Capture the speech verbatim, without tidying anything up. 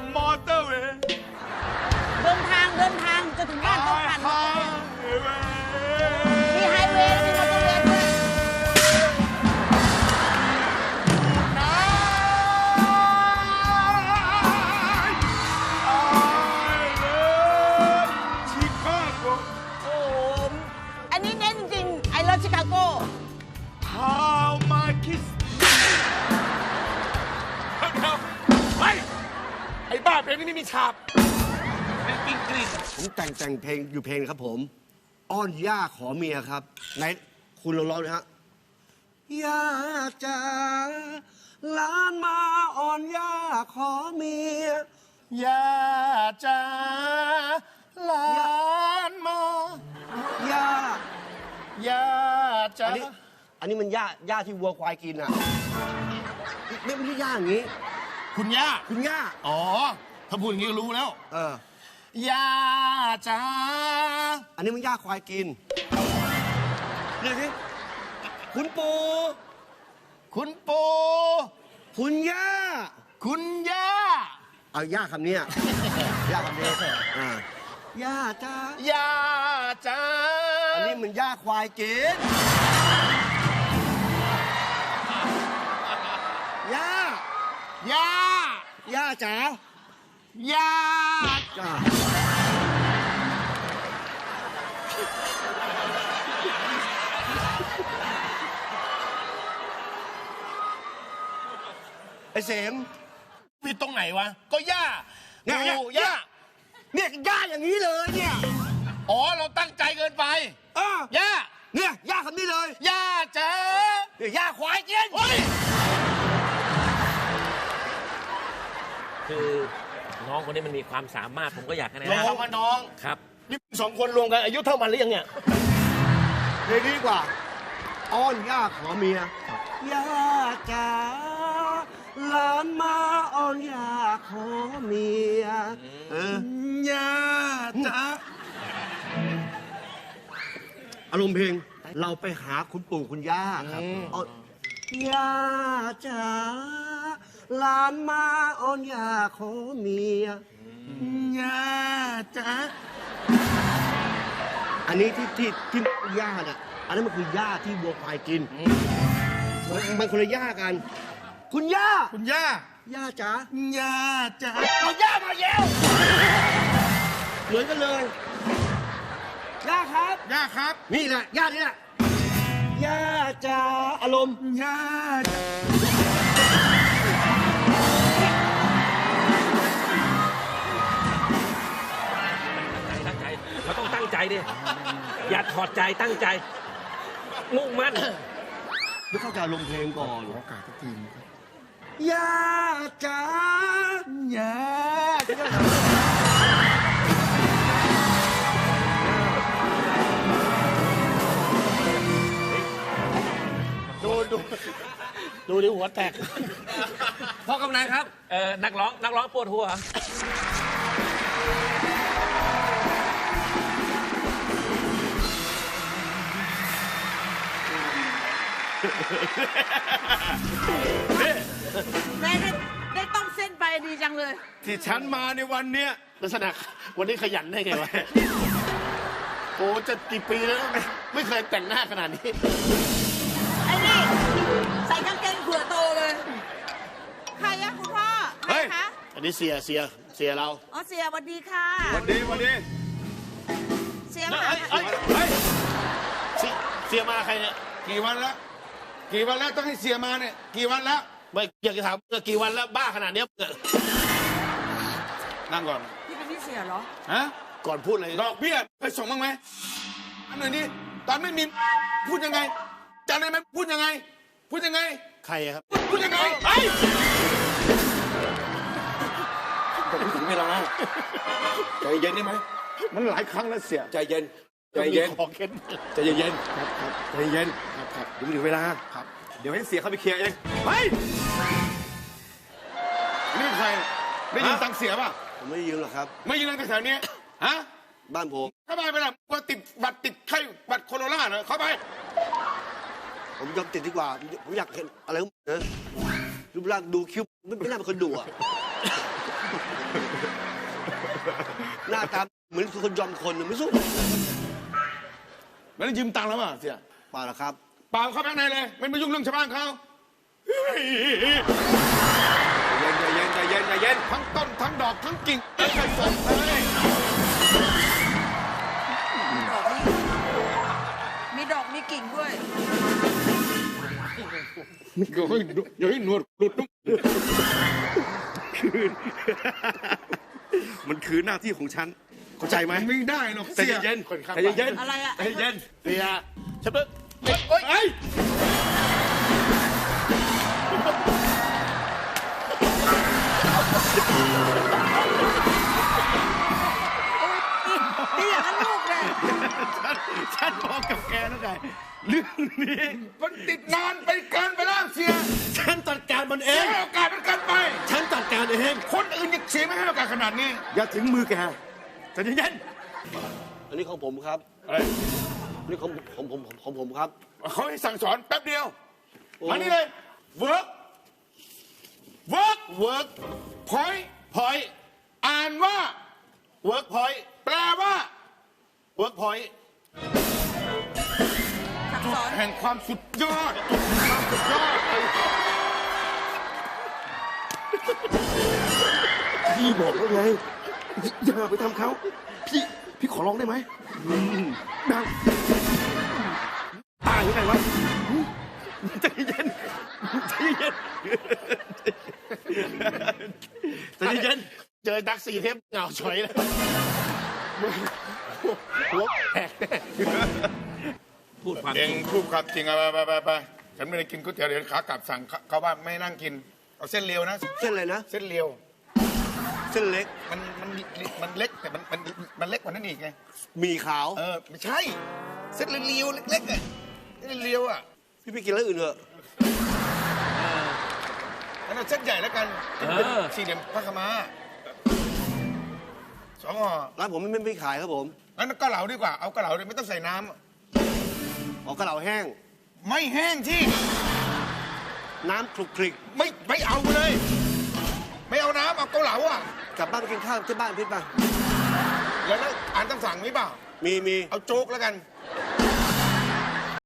มอเตอร์เวย์เดินทางเดินทางจะถึงบ้านต้องผ่านมีไฮเวย์มีมอเตอร์เวย์ด้วยชิคาโกโอ้อันนี้เน้นจริงไอเลิฟชิคาโก How my kiss ไปไอ้บ้าเพลงนี้ไม่มีฉาบเป็นกิ้งกรีดผมแต่งแต่งเพลงอยู่เพลงครับผมอ้อนย่าขอเมียครับไหนคุณลองร้องนะฮะย่าจ๋าหลานมาอ้อนย่าขอเมียย่าจ๋าหลานมาย่าย่าจ๋าอันนี้อันนี้มันย่าย่าที่วัวควายกินอ่ะไม่ไม่ใช่ย่าอย่างนี้คุณย่าคุณย่าอ๋อถ้าพูดอย่างนี้ก็รู้แล้วเออย่าจ๋าอันนี้มันย่าควายกินเดี๋ยวสิคุณปู่คุณปู่คุณย่าคุณย่าเอาย่าคำนี้ย่าคำนี้อ่าย่าจ้าย่าจ๋าอันนี้มันย่าควายกินย่าย่าย่าจ๋าย่าจ้าไอ้เสมผิดตรงไหนวะก็ย่าเนี่ยย่าเนี่ยย่าอย่างนี้เลยเนี่ยอ๋อเราตั้งใจเกินไปเออย่าเนี่ยย่าคำนี้เลยย่าจ๋าเนี่ยย่าควายกินคือน้องคนนี้มันมีความสามารถผมก็อยากให้นะน้องมาน้องครับนี่สองคนรวมกันอายุเท่ามันหรือยังเนี่ยเพลงนี้ดีกว่าอ้อนย่าขอเมียย่าจ๋าหลานมาอ้อนย่าขอเมียเออย่าจ๋าอารมณ์เพลงเราไปหาคุณปู่คุณย่าครับย่าจ๋าหลานมาอ้อนย่าขอเมียย่าจ๋าอันนี้ที่ที่ที่ย่าเนี่ยอันนั้นมันคือย่าที่วัวควายกินมันคนละย่ากันคุณย่าคุณย่าย่าจ๋าย่าจ๋าเอาย่ามาเย้วเหมือนกันเลยย่าครับย่าครับนี่แหละย่านี่แหละย่าจ๋าอารมณ์ย่าตั้งใจเราต้องตั้งใจดิอย่าถอดใจตั้งใจมุ่งมั่นไม่เข้าใจอารมณ์เพลงก่อนโอกาสทุกทีครับย่าจ๋าย่าดูดูดูดิหัวแตกพ่อกำนันครับเออนักร้องนักร้องปวดหัวแม่ได้ได้ต้มเส้นไปดีจังเลยที่ฉันมาในวันเนี้ยลักษณะวันนี้ขยันได้ไงวะโอ้จะกี่ปีแล้วไม่เคยแต่งหน้าขนาดนี้ไอ้นี่ใส่กางเกงเผื่อโตเลยใครอะคุณพ่อใครคะอันนี้เสียเสียเสียเราอ๋อเสียสวัสดีค่ะวันดีวันดีเสียมาเฮ้ยเฮ้ยเสียมาใครเนี่ยกี่วันแล้วกี่วันแล้วต้องให้เสียมาเนี่ยกี่วันแล้วไม่อยากจะถามเมื่อกี่วันแล้วบ้าขนาดนี้นั่งก่อนพี่เป็นพี่เสียเหรอฮะก่อนพูดอะไรดอกเบี้ยไปส่งบ้างไหมอันไหนนี่ตอนไม่มีพูดยังไงจำได้ไหมพูดยังไงพูดยังไงใครครับพูดยังไงไอ้ผมพูดถึงไม่แล้วนะใจเย็นได้ไหมมันหลายครั้งแล้วเสียใจเย็นใจเย็นขอเข็นใจเย็นครับครับใจเย็นครับครับเดี๋ยวถึงเวลาครับเดี๋ยวให้เสียเขาไปเคลียร์เองไปนี่ใครได้ยินตังเสียป่ะผมไม่ได้ยืมหรอกครับไม่ยืมตังแถวนี้ฮะบ้านผมเข้าไปไปละว่าติดบัตรติดไข้บัตรโคโรนาเหรอเข้าไปผมยอมติดดีกว่าผมอยากเห็นอะไรนะรูปร่างดูคิ้วไม่น่าเป็นคนดุอ่ะน้าตาเหมือนคนยอมคนไม่สู้แล้วยืมตังค์แล้วมั้งเสียเปล่าหรอกครับเปล่าเข้าไปข้างในเลยไม่มายุ่งเรื่องชาวบ้านเขาใจเย็นใจเย็นใจเย็นใจเย็นทั้งต้นทั้งดอกทั้งกิ่งไม่เคยสนเลยมีดอกมีกิ่งด้วยเดี๋ยวให้เดี๋ยวให้หนวดหลุดคืน มันคือหน้าที่ของฉันเข้าใจไหมไม่ได้หรอกใจเย็นใจเย็นอะไรอะใจเย็นเสียฉันเพิ่งเฮ้ยนี่อย่างนั้นลูกเลยฉันบอกกับแกแล้วไงเรื่องนี้มันติดนานไปเกินไปแล้วเสียฉันจัดการมันเอเสียงโอกาสมันเกินไปฉันจัดการเองคนอื่นยังเสียไม่ให้โอกาสขนาดนี้อย่าถึงมือแกใจเย็นอันนี้ของผมครับอะไรอันนี้ของผมผมผมของผมครับเขาให้สั่งสอนแป๊บเดียวโอ้มานี่เลย work work work point point อ่านว่า work point แปลว่า work point สั่งสอนแห่งความสุดยอดความสุดยอดพี่บอกแล้วไงอย่าไปทำเขาพี่พี่ขอร้องได้ไหมดังตายยังไงวะใจเย็นใจเย็นใจเย็นเจอดักสี่เทปเหงาฉอยเลยหัวแตกแน่พูดความเอจงริงพูดความจริงอะไปไปไปไปฉันไม่ได้กินก๋วยเตี๋ยวเดี๋ยวขากลับสั่งเขาเขาว่าไม่นั่งกิน เอาเส้นเลียวนะเส้นอะไรนะเส้นเลียวเส้นเล็กมันมันมันเล็กแต่มันมันมันเล็กกว่านั้นอีกไงมีขาวเออไม่ใช่ เส้นเลียวๆเล็กๆอ่ะเส้นเลียวอ่ะพี่ไปกินแล้วอื่นเถอะงั้นเอาเส้นใหญ่แล้วกันเออสี่เหลี่ยมพระขาวม้าสองห่อร้านผมไม่ไม่ไม่ขายครับผมงั้นก็เหลาดีกว่าเอากระเหลาเลยไม่ต้องใส่น้ออกกระเหล่าแห้งำไม่แห้งที่น้ำคลุกคลิกไม่ไม่เอาเลย ไม่เอาน้ำเอาเกาเหลาอ่ะกลับบ้านไปกินข้าวที่บ้านพี่ป่ะแล้วแล้วอ่านตำสั่งนี้เปล่ามีมีเอาโจ๊กแล้วกันโ